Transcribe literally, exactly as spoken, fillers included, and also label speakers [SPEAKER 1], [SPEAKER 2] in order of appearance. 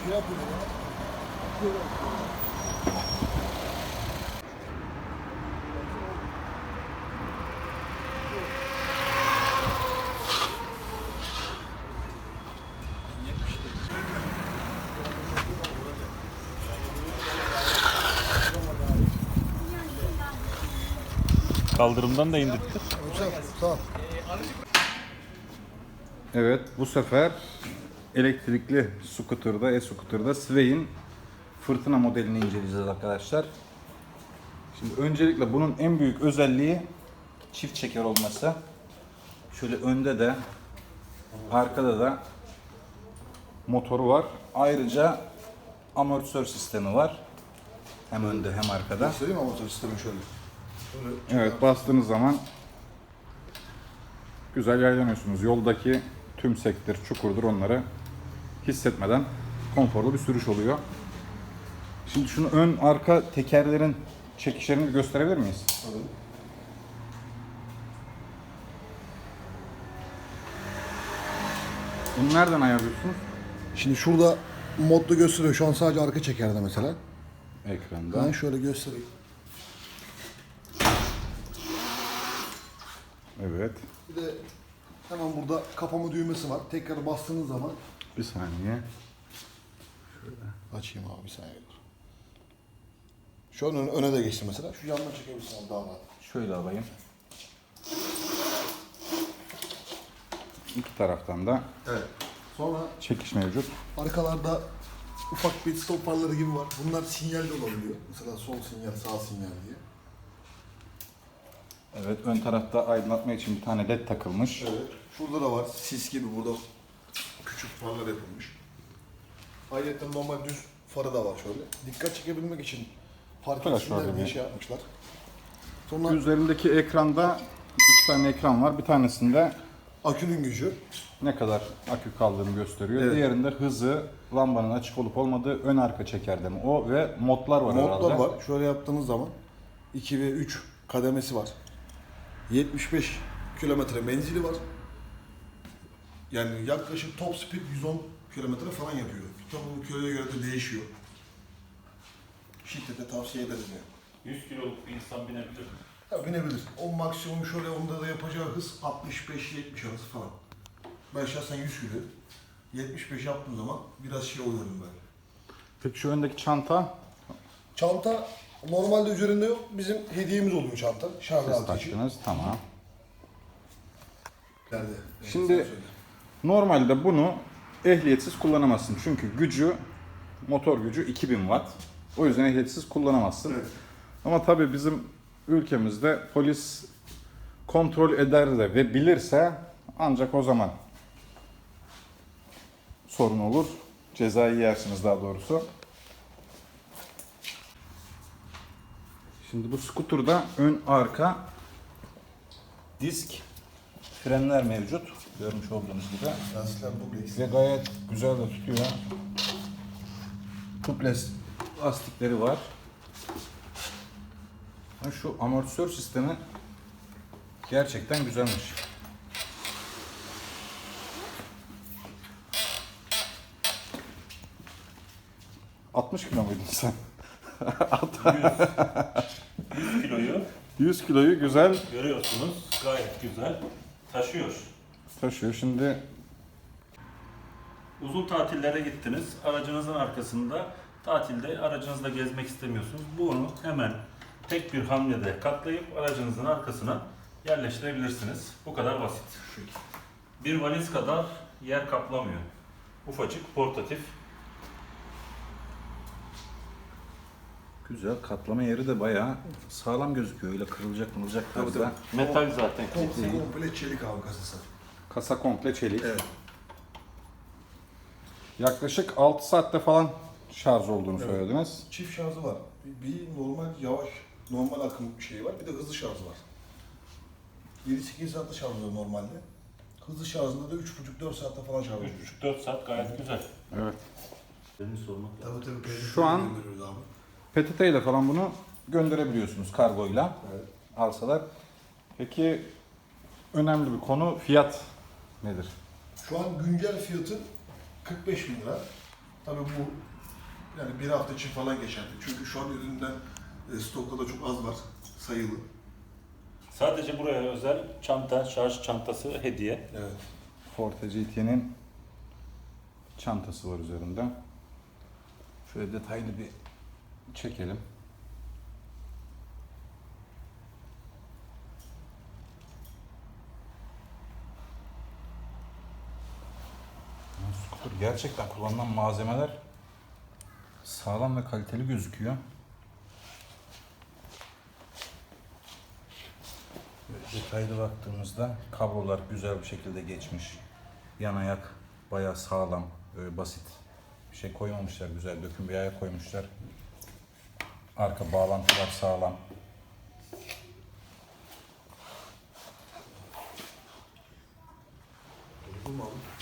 [SPEAKER 1] şey yapıyor ya.
[SPEAKER 2] Kaldırımdan da indirttir.
[SPEAKER 1] Sağ.
[SPEAKER 3] Evet, bu sefer elektrikli scooter'da, e-scooter'da Sway'in fırtına modelini inceleyeceğiz arkadaşlar. Şimdi öncelikle bunun en büyük özelliği çift çeker olması. Şöyle önde de arkada da motoru var. Ayrıca amortisör sistemi var. Hem önde hem arkada.
[SPEAKER 1] Göstereyim mi motor sistemi şöyle? Şöyle.
[SPEAKER 3] Evet, bastığınız zaman güzel yaylanıyorsunuz. Yoldaki tümsektir, çukurdur, onları hissetmeden konforlu bir sürüş oluyor. Şimdi şunu ön arka tekerlerin çekişlerini gösterebilir miyiz?
[SPEAKER 1] Tabii.
[SPEAKER 3] Bunu nereden ayarlıyorsunuz?
[SPEAKER 1] Şimdi şurada modda gösteriyor. Şu an sadece arka çekerde mesela.
[SPEAKER 3] Ekranda.
[SPEAKER 1] Ben şöyle göstereyim.
[SPEAKER 3] Evet.
[SPEAKER 1] Bir de hemen burada kapama düğmesi var. Tekrar bastığınız zaman
[SPEAKER 3] Bir saniye.
[SPEAKER 1] açayım abi bir saniye. Şu an öne, öne de geçti mesela. Şu yandan çekebilirsin abi daha rahat.
[SPEAKER 3] Şöyle alayım. İki taraftan da
[SPEAKER 1] Evet. Sonra
[SPEAKER 3] çekiş mevcut.
[SPEAKER 1] arkalarda ufak bir stop farları gibi var. Bunlar sinyal de olabiliyor. Mesela sol sinyal, sağ sinyal diye.
[SPEAKER 3] Evet, ön tarafta aydınlatma için bir tane led takılmış.
[SPEAKER 1] Evet. Şurada da var. Sis gibi burada küçük farlar yapılmış. Ayrıca normal düz farı da var şöyle. Dikkat çekebilmek için fark
[SPEAKER 3] Flash
[SPEAKER 1] etsinler
[SPEAKER 3] var
[SPEAKER 1] diye
[SPEAKER 3] yani.
[SPEAKER 1] şey yapmışlar. Sonra
[SPEAKER 3] Üzerindeki ekranda iki tane ekran var. Bir tanesinde
[SPEAKER 1] akünün gücü.
[SPEAKER 3] ne kadar akü kaldığını gösteriyor.
[SPEAKER 1] Evet.
[SPEAKER 3] Diğerinde hızı, lambanın açık olup olmadığı, ön arka çekerde mi o ve modlar var
[SPEAKER 1] Modlar
[SPEAKER 3] herhalde.
[SPEAKER 1] var. Şöyle yaptığınız zaman iki ve üç kademesi var. yetmiş beş kilometre menzili var. Yani yaklaşık top speed yüz on kilometre falan yapıyor. Tabii bu kiloya göre de değişiyor. Şiddete tavsiye ederim yani.
[SPEAKER 2] yüz kiloluk bir insan binebilir.
[SPEAKER 1] Ya binebilir. O maksimum şöyle onda da yapacağı hız altmış beş yetmiş arası falan. Ben şahsen yüz kilo. yetmiş beş yaptığım zaman biraz şey oluyorum ben.
[SPEAKER 3] Peki şu öndeki çanta,
[SPEAKER 1] Çanta normalde üzerinde yok. Bizim hediyemiz oluyor çanta. Şarj
[SPEAKER 3] siz
[SPEAKER 1] altı için.
[SPEAKER 3] taktınız, tamam.
[SPEAKER 1] Nerede?
[SPEAKER 3] Şimdi-
[SPEAKER 1] sen söyle.
[SPEAKER 3] Normalde bunu ehliyetsiz kullanamazsın. Çünkü gücü, motor gücü iki bin watt. O yüzden ehliyetsiz kullanamazsın.
[SPEAKER 1] Evet.
[SPEAKER 3] Ama tabii bizim ülkemizde polis kontrol eder de ve bilirse ancak o zaman sorun olur. Cezayı yersiniz daha doğrusu. Şimdi bu skuturda ön arka disk frenler mevcut. Görmüş olduğunuz gibi.
[SPEAKER 1] Lastikler dubleks.
[SPEAKER 3] Ve gayet güzel de tutuyor. Tubeless lastikleri var. Ha, şu amortisör sistemi gerçekten güzelmiş. altmış kilo muydun sen?
[SPEAKER 2] yüz kiloyu
[SPEAKER 3] yüz kiloyu güzel
[SPEAKER 2] görüyorsunuz. Gayet güzel taşıyor.
[SPEAKER 3] taşıyor. Şimdi
[SPEAKER 2] Uzun tatillere gittiniz. Aracınızın arkasında tatilde aracınızla gezmek istemiyorsunuz. Bunu hemen tek bir hamlede katlayıp aracınızın arkasına yerleştirebilirsiniz. Bu kadar basit. Bir valiz kadar yer kaplamıyor. Ufacık, portatif.
[SPEAKER 3] güzel, katlama yeri de bayağı sağlam gözüküyor. Öyle kırılacak mırılacak
[SPEAKER 1] Tabii,
[SPEAKER 3] tarzda.
[SPEAKER 2] Metal zaten.
[SPEAKER 1] Komple, komple çelik abi kasası.
[SPEAKER 3] Kasa komple çelik.
[SPEAKER 1] Evet.
[SPEAKER 3] Yaklaşık altı saatte falan şarj olduğunu
[SPEAKER 1] Evet.
[SPEAKER 3] söylediniz.
[SPEAKER 1] Çift şarjı var. Bir, bir normal yavaş, normal akım şeyi var. Bir de hızlı şarjı var. yedi sekiz saatte şarj oluyor normalde. Hızlı şarjında da üç buçuk dört saatte falan şarj oluyor.
[SPEAKER 2] üç buçuk dört saat gayet güzel.
[SPEAKER 3] Evet.
[SPEAKER 2] Benim sormak lazım.
[SPEAKER 1] Tabii tabii.
[SPEAKER 3] Şu an-
[SPEAKER 1] gönderiyoruz abi.
[SPEAKER 3] P T T ile falan bunu gönderebiliyorsunuz kargoyla
[SPEAKER 1] Evet.
[SPEAKER 3] alsalar. Peki önemli bir konu, fiyat nedir?
[SPEAKER 1] Şu an güncel fiyatı kırk beş bin lira. Tabii bu yani bir hafta için falan geçerli. Çünkü şu an üründen e, stokta da çok az var, sayılı.
[SPEAKER 2] Sadece buraya özel çanta, şarj çantası hediye.
[SPEAKER 1] Evet.
[SPEAKER 3] Forte G T'nin çantası var üzerinde. Şöyle detaylı bir çekelim. Scooter gerçekten kullanılan malzemeler sağlam ve kaliteli gözüküyor. Böyle detaylı baktığımızda kablolar güzel bir şekilde geçmiş. Yan ayak bayağı sağlam, böyle basit bir şey koymamışlar, güzel döküm bir ayak koymuşlar. Arka bağlantılar sağlam.
[SPEAKER 1] Duydun mu abi?